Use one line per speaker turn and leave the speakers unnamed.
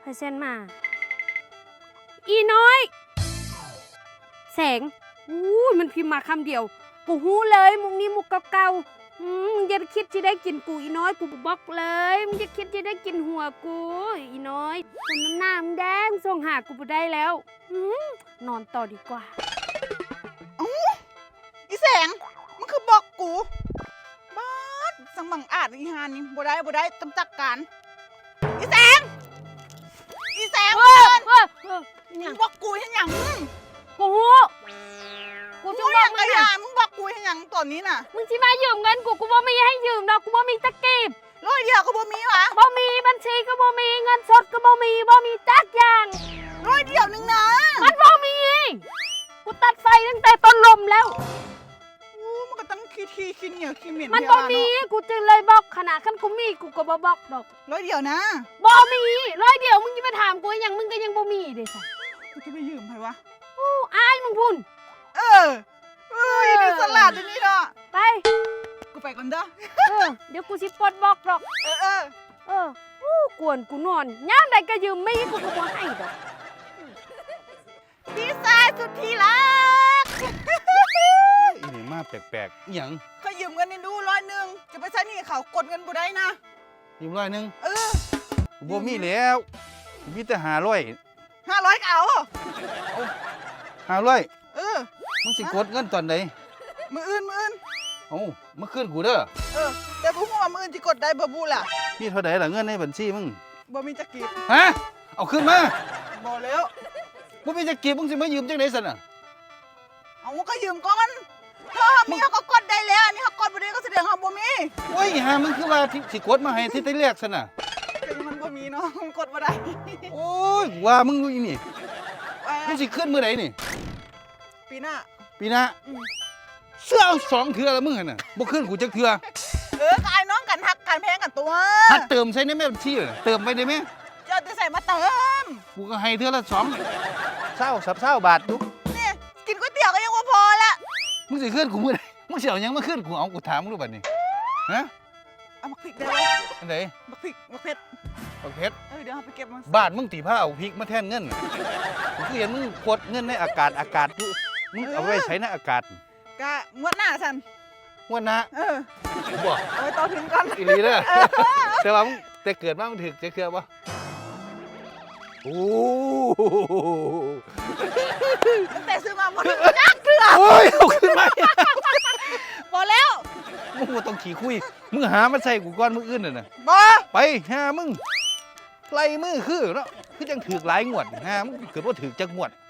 เซ็นมาอีน้อยแสงอู้มันพิมพ์มาคำเดียวกูหู้เลยมุกนี้มุกเก่าๆมึงอย่าคิดจะได้กินกูอีน้อยกูบอกเลยมึงอย่าคิดจะได้กินหัวกูอีน้อยคนน้ำหน้ามึงแดงส่งหากูไปได้แล้วนอนต่อดีกว่า
อีแสงมันคือบอกกูบ้าสังบังอาจอีหานี่บ่ได้ต้องจัดการอีแสงมึงบอกกูให้หยัง
กูหู้กูจะบอกมึงนะ
มึงบอกกูให้หยังตอนนี้น่ะ
มึงที่มายืมเงินกูบ่มีให้ยืมดอกกูบ่มีตะกีบ
ร้อยเดียวก็บ่มีวะ
บ่มีบัญชีก็บ่มีเงินสดก็บ่มีจักอย่าง
ร้อยเดียวนึงนะ
มันบ่มีกูตัดไฟตั้งแต่ต้นลมแล้ว
มันก็ตั้งขี้เหนียวขี้เหม็น
มันบ่มีกูจึงเลยบอกขนาดคันกูมีกูก็บ่บอกดอก
ร้อยเดียวนะ
บ่มีร้อยเดียวมึงจะมาถามกูอย่างมึงก็ยังบ่มีเด้จ้ะ
กูจะไปยืมใครวะ
อายมึงพุ่น
ดูสลัดเดี๋ยวนี้เนาะ
ไป
กูไปก่อนเด้อ
เดี๋ยวกูสิปลดบอกดอกกวนกูนอนย่ามใดก็ยืมไม่กูก็บ่ให้ดอก
พี่ชายสุดที่รัก
อีนี่มาแปลกๆหยัง
เขายืมเงินนี่ดู100จะไปใช้หนี้เขากดเงินบ่ได้นะ
ยืม100บ่มีแล้วมีแต่500
ก็เอา
500มึงสิกดเงินตอนไหน
มื้ออื่น
มาคืนกูเด้อ
แต่บ่ฮู้ว่ามื้ออื่นสิกดได้บ่บูล่ะ
มีเท่าใดล่ะเงินในบัญชีมึง
บ่มีจักกีบ
ฮะเอาขึ้นมา
บ่แล้ว
บ่มีจักกีบมึงสิมายืมจังได๋ซั่นน่ะ
เอาก็ยืมก่อนถ้ามีเขาก็กดได้แล้วอันนี้เขากดบ่ได้ก็แสดงเขาบ่มี
โอ้ยหามึงคือว่าสิกดมาให้ที่แรกซั่นน่ะ
มันบ่มีเนาะมันกดบ่ได้
โอ้ยว่ามึงอีนี่มึงสิขึ้นมื้อใดนี่
ปีหน้า
เสื้อ2เทื่อแล้วมึงหั่นน่ะบ่ขึ้นกูจักเทื่อ
ก็ไอ้น้องกันฮักกันแพงกันตัว
หัดเติมใส่ในแม่บัญชีเติมไปได้มั้ย
จะเอาใส่มาเติม
กูก็ให้เทื่อละ20บาทดู
นี่กินก๋วยเตี๋ยวก็ยังบ่พอละ
มึงสิขึ้นกูมื้อใดมึงสิเอาหยังมาขึ้นกูเอากูถามมึงดูบัดนี้ฮะ
เอามักพริกได้บ่
อันใด
มักพริกมักเผ็ดเดี๋ยวเอาไปเก็บมา
บ้านมึงตีผ้าเอาพริกมาแทนเงินกูเห็นมึงกดเงินในอากาศมึงเอาไว้ใช้ในอากาศ
ก็งวดหน้าซั่น
งวดหน้าบ่
เอาไปต่อถึงก่อน
อีหลีเด้อแต่ว่ามึงแต่เกิดมามึงถึกจะเคลือบ่โอ้
แต่ซื้อมาบ่ถึงจักเทื่อ
โอ้ยเอาขึ้นมา
บ่แล้ว
มึงบ่ต้องขี้คุยมึงหามาใส่กูก่อนมึงอื่นน่ะ
บ่
ไปหามึงไล่มือคือเนาะคือจังถึกหลายงวดหามึงเกิดบ่ถึกจักงวด